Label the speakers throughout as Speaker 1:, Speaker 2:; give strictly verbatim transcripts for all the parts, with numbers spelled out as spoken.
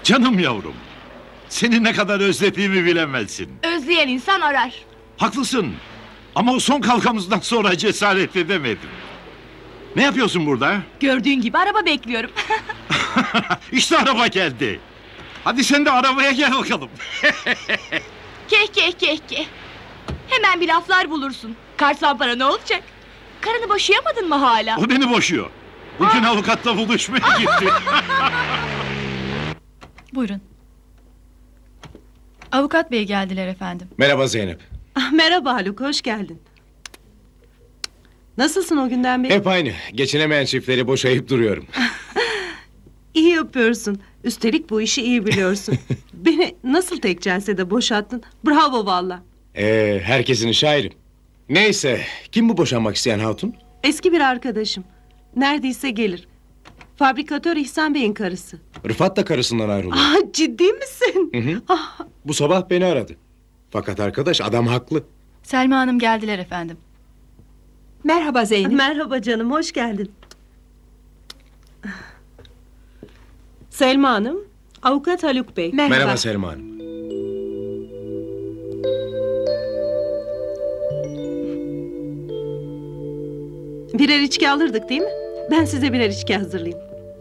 Speaker 1: Canım yavrum. Seni ne kadar özlediğimi bilemezsin.
Speaker 2: Özleyen insan arar.
Speaker 1: Haklısın. Ama o son kalkamızdan sonra cesaret edemedim. Ne yapıyorsun burada?
Speaker 2: Gördüğün gibi araba bekliyorum.
Speaker 1: İşte araba geldi. Hadi sen de arabaya gel bakalım.
Speaker 2: Keh keh keh keh. Hemen bir laflar bulursun. Karsan para ne olacak? Karını boşayamadın mı hala?
Speaker 1: O beni boşuyor. Bugün avukatla buluşmaya gitti.
Speaker 3: Buyurun. Avukat bey geldiler efendim.
Speaker 4: Merhaba Zeynep.
Speaker 5: Ah, merhaba Haluk, hoş geldin. Nasılsın o günden beri?
Speaker 4: Hep aynı. Geçinemeyen çiftleri boşayıp duruyorum.
Speaker 5: İyi yapıyorsun. Üstelik bu işi iyi biliyorsun. Beni nasıl tek celsede boşattın? Bravo valla.
Speaker 4: Ee, herkesin işi ayrı. Neyse, kim bu boşanmak isteyen hatun?
Speaker 5: Eski bir arkadaşım. Neredeyse gelir. Fabrikatör İhsan Bey'in karısı.
Speaker 4: Rıfat da karısından ayrılıyor.
Speaker 5: Ah, ciddi misin?
Speaker 4: Hı hı.
Speaker 5: Ah,
Speaker 4: Bu sabah beni aradı. Fakat arkadaş adam haklı.
Speaker 3: Selma Hanım geldiler efendim.
Speaker 6: Merhaba Zeynep.
Speaker 5: merhaba canım, hoş geldin. Selma Hanım, avukat Haluk Bey.
Speaker 6: Merhaba.
Speaker 4: Merhaba Selma Hanım.
Speaker 5: Birer içki alırdık değil mi? Ben size birer içki hazırlayayım.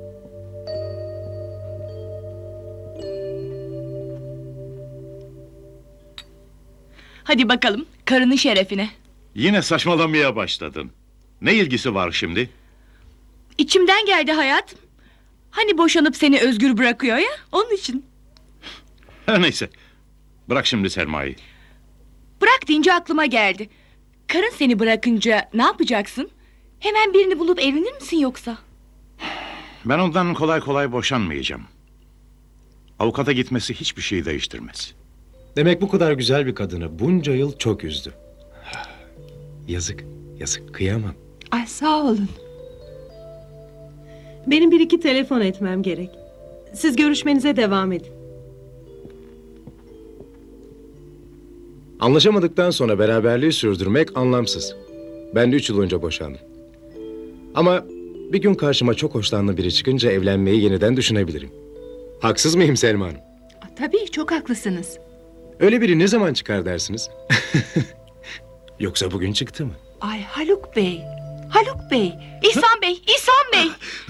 Speaker 2: Hadi bakalım karının şerefine.
Speaker 1: Yine saçmalamaya başladın. Ne ilgisi var şimdi?
Speaker 2: İçimden geldi hayatım. Hani boşanıp seni özgür bırakıyor ya, onun için.
Speaker 1: Her neyse. Bırak şimdi Selma'yı.
Speaker 2: Bırak deyince aklıma geldi. Karın seni bırakınca ne yapacaksın? Hemen birini bulup evlenir misin yoksa?
Speaker 1: Ben ondan kolay kolay boşanmayacağım. Avukata gitmesi hiçbir şeyi değiştirmez.
Speaker 4: Demek bu kadar güzel bir kadını bunca yıl çok üzdü. Yazık, yazık, kıyamam.
Speaker 6: Ay sağ olun.
Speaker 5: Benim bir iki telefon etmem gerek. Siz görüşmenize devam edin.
Speaker 4: Anlaşamadıktan sonra beraberliği sürdürmek anlamsız. Ben de üç yıl önce boşandım. Ama bir gün karşıma çok hoşlandığım biri çıkınca evlenmeyi yeniden düşünebilirim. Haksız mıyım Selma Hanım?
Speaker 6: Tabii çok haklısınız.
Speaker 4: Öyle biri ne zaman çıkar dersiniz? Yoksa bugün çıktı mı?
Speaker 6: Ay Haluk Bey. Haluk Bey.
Speaker 2: İhsan Bey, İhsan Bey!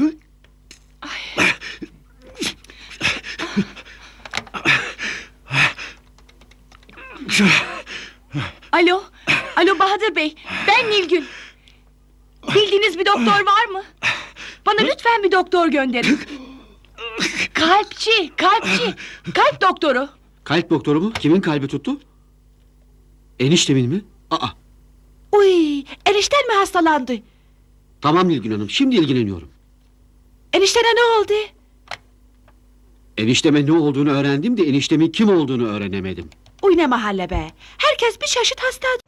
Speaker 2: Alo, alo Bahadır Bey, ben Nilgün. Bildiğiniz bir doktor var mı? Bana lütfen bir doktor gönderin. Kalpçi, kalpçi, kalp doktoru.
Speaker 7: Kalp doktoru mu? Kimin kalbi tuttu? Eniştemin mi? Aa,
Speaker 6: Uy, enişten mi hastalandı?
Speaker 7: tamam Nilgün Hanım, şimdi ilgileniyorum.
Speaker 6: Eniştene ne oldu?
Speaker 7: Enişteme ne olduğunu öğrendim de eniştemin kim olduğunu öğrenemedim.
Speaker 6: Uy ne mahalle be. Herkes bir çeşit hastadır.